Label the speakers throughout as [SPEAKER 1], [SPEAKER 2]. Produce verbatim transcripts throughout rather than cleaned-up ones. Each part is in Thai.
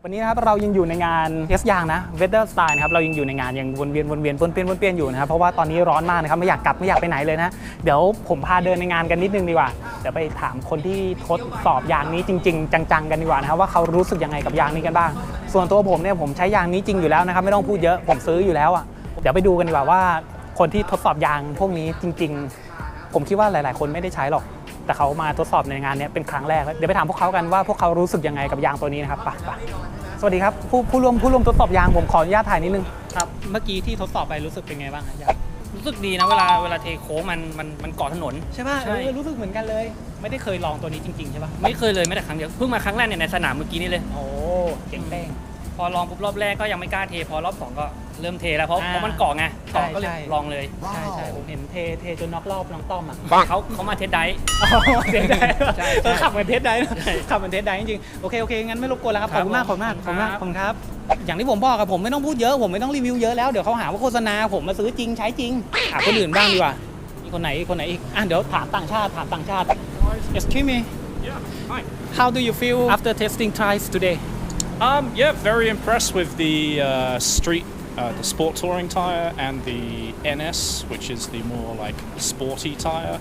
[SPEAKER 1] วันนี้นะครับเรายังอยู่ในงานเทสยางนะ Weather Style นะครับเรายังอยู่ในงานยังวนเวียนวนเวียนวนเปี้ยนวนเปี้ยนอยู่นะครับเพราะว่าตอนนี้ร้อนมากนะครับไม่อยากกลับไม่อยากไปไหนเลยนะเดี๋ยวผมพาเดินในงานกันนิดนึงดีกว่าเดี๋ยวไปถามคนที่ทดสอบยางนี้จริงๆจังๆกันดีกว่านะครับว่าเขารู้สึกยังไงกับยางนี้กันบ้างส่วนตัวผมเนี่ยผมใช้ยางนี้จริงอยู่แล้วนะครับไม่ต้องพูดเยอะผมซื้ออยู่แล้วอ่ะเดี๋ยวไปดูกันดีกว่าว่าคนที่ทดสอบยางพวกนี้จริงๆผมคิดว่าหลายๆคนไม่ได้ใช้หรอกแต่เขามาทดสอบในงานนี้เป็นครั้งแรกเดี๋ยวไปถามพวกเขากันว่าพวกเขารู้สึกยังไงกับยางตัวนี้นะครับไปไปสวัสดีครับผู้ผู้ร่วมผู้ร่วมทดสอบยางผมขออนุญาตถ่ายนิดนึงครับเมื่อกี้ที่ทดสอบไปรู้สึกเป็นไงบ้างครับ
[SPEAKER 2] รู้สึกดีนะเวลาเวลาเทโค้งมันมันมันเกาะถนน
[SPEAKER 1] ใช่ป่ะใช่รู้สึกเหมือนกันเลยไม่ได้เคยลองตัวนี้จริงๆใช่ป่ะ
[SPEAKER 2] ไม่เคยเลยไม่แต่ครั้งเดียวเพิ่งมาครั้งแรกเนี่ยในสนามเมื่อกี้นี่เลย
[SPEAKER 1] โอ้เจ๋งแป้ง
[SPEAKER 2] พอลองปุ๊บรอบแรกก็ยังไม่กล้าเทพอรอบสองก็เริ่มเทแล้วเพราะเพราะมันเกาะไงเกาะก็เลยลองเลย
[SPEAKER 1] ใช่ใช่ผมเห็นเทเทจนน็อกรอบน้องต้อมอ่ะ
[SPEAKER 2] เขาเขามาเทสไดฟ์
[SPEAKER 1] เทสไดฟ์ขับเหมือนเทสไดฟ์ขับเหมือนเทสไดฟ์จริงๆโอเคโอเคงั้นไม่รบกวนแล้วครับขอบคุณมากขอบคุณมากขอบคุณมากขอบคุณครับอย่างที่ผมบอกครับผมไม่ต้องพูดเยอะผมไม่ต้องรีวิวเยอะแล้วเดี๋ยวเขาหาว่าโฆษณาผมมาซื้อจริงใช้จริงถามคนอื่นบ้างดีกว่ามีคนไหนคนไหนอีกอ่ะเดี๋ยวถามต่างชาติถามต่างชาติ Excuse me
[SPEAKER 3] Yeah, hi.
[SPEAKER 1] How do you feel after testing tires today
[SPEAKER 3] Um, yeah, very impressed with the uh, street, uh, the sport touring tire, and the N S, which is the more like sporty tire.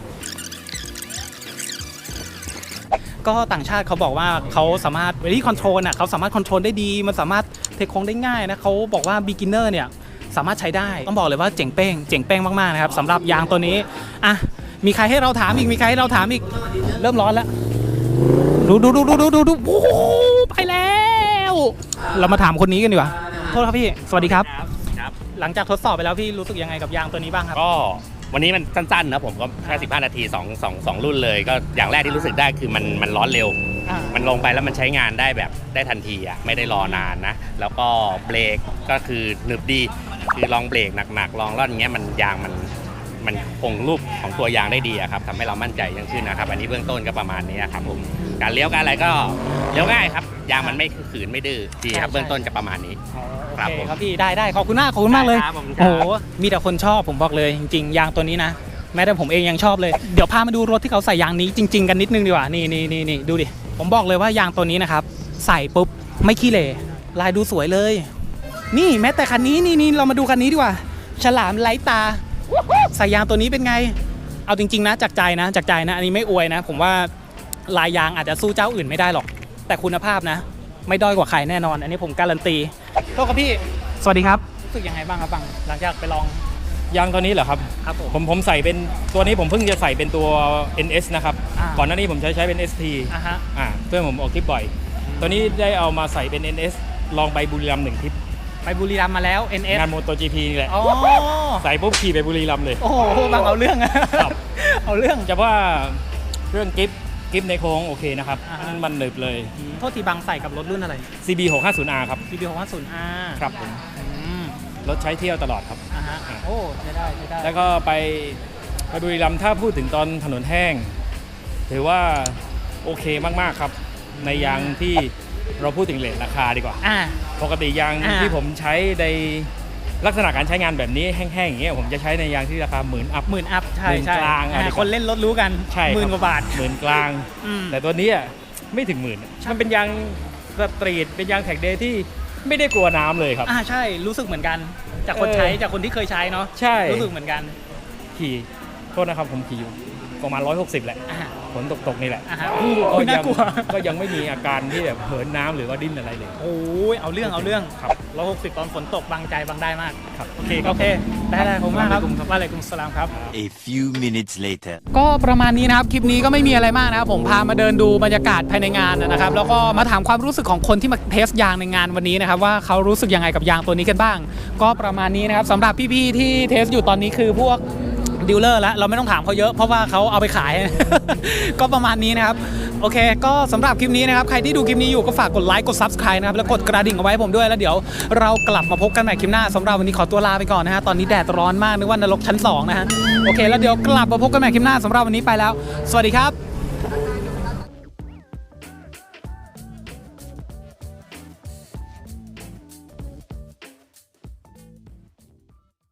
[SPEAKER 1] ก็ต่างชาติเขาบอกว่าเขาสามารถ very control น่ะเขาสามารถ control ได้ดีมันสามารถเทคโค้งได้ง่ายนะเขาบอกว่า beginner เนี่ยสามารถใช้ได้ต้องบอกเลยว่าเจ๋งเป้งเจ๋งเป้งมากๆนะครับสำหรับยางตัวนี้อ่ะมีใครให้เราถามอีกมีใครให้เราถามอีกเริ่มร้อนแล้วดูดูดูดูดูดูดูโอ้ไปแล้วเรามาถามคนนี้กันดีกว่าโทษครับพี่สวัสดีครับ
[SPEAKER 4] ครับ
[SPEAKER 1] หลังจากทดสอบไปแล้วพี่รู้สึกยังไงกับยางตัวนี้บ้างครับ
[SPEAKER 4] ก็วันนี้มันสั้นๆนะผมก็แค่สิบห้านาที2 2 2รุ่นเลยก็อย่างแรกที่รู้สึกได้คือมันมันร้อนเร็วมันลงไปแล้วมันใช้งานได้แบบได้ทันทีอ่ะไม่ได้รอนานนะแล้วก็เบรกก็คือหนึบดีคือลองเบรกหนักๆลองร่อนอย่างเงี้ยมันยางมันมันคงรูปของตัวยางได้ดีอะครับทำให้เรามั่นใจยิ่งขึ้นนะครับอันนี้เบื้องต้นก็ประมาณนี้ครับผมการเลี้ยวการอะไรก็เลี้ยวง่ายครับยางมันไม่ขืนไม่ดื้อดีครับเบื้องต้นจะประมาณนี้
[SPEAKER 1] ครับผมครับพี่ได้ได้ขอบคุณมากขอบคุณมากเลยโอ้โหมีแต่คนชอบผมบอกเลยจริงๆยางตัวนี้นะแม้แต่ผมเองยังชอบเลยเดี๋ยวพามาดูรถที่เขาใส่ยางนี้จริงๆกันนิดนึงดีกว่านี่นี่นี่นี่ดูดิผมบอกเลยว่ายางตัวนี้นะครับใส่ปุ๊บไม่ขี้เหร่ลายดูสวยเลยนี่แม้แต่คันนี้นี่นี่เรามาดูคันนี้ดีกว่าฉลามไร้ตาใส่ยางตัวนี้เป็นไงเอาจริงๆนะจากใจนะจากใจนะอันนี้ไม่อวยนะผมว่าลายยางอาจจะสู้เจ้าอื่นไม่ได้หรอกแต่คุณภาพนะไม่ด้อยกว่าใครแน่นอนอันนี้ผมการันตีโทษครับพี่สวัสดีครับรู้สึกยังไงบ้างครับบังหลังจากไปลอง
[SPEAKER 5] ยางตัวนี้เหรอครับ
[SPEAKER 1] ครับผม
[SPEAKER 5] ผมผมใส่เป็นตัวนี้ผมเพิ่งจะใส่เป็นตัว เอ็น เอส นะครับก่อนหน้านี้ผมใช้ใช้เป็น เอส ที
[SPEAKER 1] อ่าฮะ
[SPEAKER 5] อ่าเพื่อนผมออกทริปบ่อยตัวนี้ได้เอามาใส่เป็น เอ็น เอส ลองไปบุรีรัมย์หนึ่งทริป
[SPEAKER 1] ไปบุรีรัมย์มาแล้ว เอ็น เอส
[SPEAKER 5] งานโมโต จี พี นี่แหละ
[SPEAKER 1] อ๋อ
[SPEAKER 5] ใส่ปุ๊บขี่ไปบุรีรัมย์เลย
[SPEAKER 1] โอ้โหบังเอาเรื่องครับเอาเรื่อง
[SPEAKER 5] จะว่าเรื่องกิฟกิฟในโค้งโอเคนะครับมันหนึบเลย
[SPEAKER 1] โทษทีบังใส่กับรถรุ่นอะไร
[SPEAKER 5] ซี บี หกห้าศูนย์ อาร์ ครับ
[SPEAKER 1] ซี บี หกห้าศูนย์ อาร์
[SPEAKER 5] ครับผมรถใช้เที่ยวตลอดครับ
[SPEAKER 1] อ่าฮะโอ้ใช้ได้ใช้ได้
[SPEAKER 5] แล้วก็ไปไปบุรีรัมย์ถ้าพูดถึงตอนถนนแห้งถือว่าโอเคมากๆครับในยางที่เราพูดถึงเรทราคาดีกว่าปกติยางที่ผมใช้ในลักษณะการใช้งานแบบนี้แห้งๆอย่างเงี้ยผมจะใช้ในยางที่ราคาหมื่นอัพ
[SPEAKER 1] หมื่นอัพใช่ใช่
[SPEAKER 5] กลาง
[SPEAKER 1] คนเล่นรถรู้กันหมื่นกว่าบาท
[SPEAKER 5] หมื่นกลางแต่ตัวนี้ไม่ถึงหมื่นมันเป็นยางสตรีทเป็นยางแท็กเดย์ที่ไม่ได้กลัวน้ำเลยครับ
[SPEAKER 1] อ่าใช่รู้สึกเหมือนกันจากคนใช้จากคนที่เคยใช้เนาะ
[SPEAKER 5] ใช่
[SPEAKER 1] รู้สึกเหมือนกัน
[SPEAKER 5] ขี่โทษนะครับผมขี่อยู่ประมาณร้อยหกสิบแหละฝนตกๆนี่แหละ
[SPEAKER 1] ก็น่ากลัว
[SPEAKER 5] ก็ยังไม่มีอาการที่แบบเหินน้ำหรือว่าดิ้นอะไรเลย
[SPEAKER 1] โอ้ยเอาเรื่องเอาเรื่องครับร้อยหกสิบตอนฝนตกบังใจบังได้มาก
[SPEAKER 5] ครับ
[SPEAKER 1] โอเคโอเคได้ได้ผมมากครับว่าอะไรคุณสลามครับ
[SPEAKER 6] A few minutes later
[SPEAKER 1] ก็ประมาณนี้นะครับคลิปนี้ก็ไม่มีอะไรมากนะครับผมพามาเดินดูบรรยากาศภายในงานนะครับแล้วก็มาถามความรู้สึกของคนที่มาเทสยางในงานวันนี้นะครับว่าเขารู้สึกยังไงกับยางตัวนี้กันบ้างก็ประมาณนี้นะครับสำหรับพี่ๆที่เทสอยู่ตอนนี้คือพวกดีลเลอร์แล้วเราไม่ต้องถามเขาเยอะเพราะว่าเขาเอาไปขาย ก็ประมาณนี้นะครับโอเคก็สำหรับคลิปนี้นะครับใครที่ดูคลิปนี้อยู่ก็ฝากกดไลค์กด ซับสไครบ์ นะครับแล้วกดกระดิ่งเอาไว้ผมด้วยแล้วเดี๋ยวเรากลับมาพบกันใหม่คลิปหน้าสำหรับวันนี้ขอตัวลาไปก่อนนะฮะตอนนี้แดดร้อนมากนึกว่านรกชั้นสองนะฮะโอเคแล้วเดี๋ยวกลับมาพบกันใหม่คลิปหน้าสำหรับวันนี้ไปแล้วสวัสดีครับ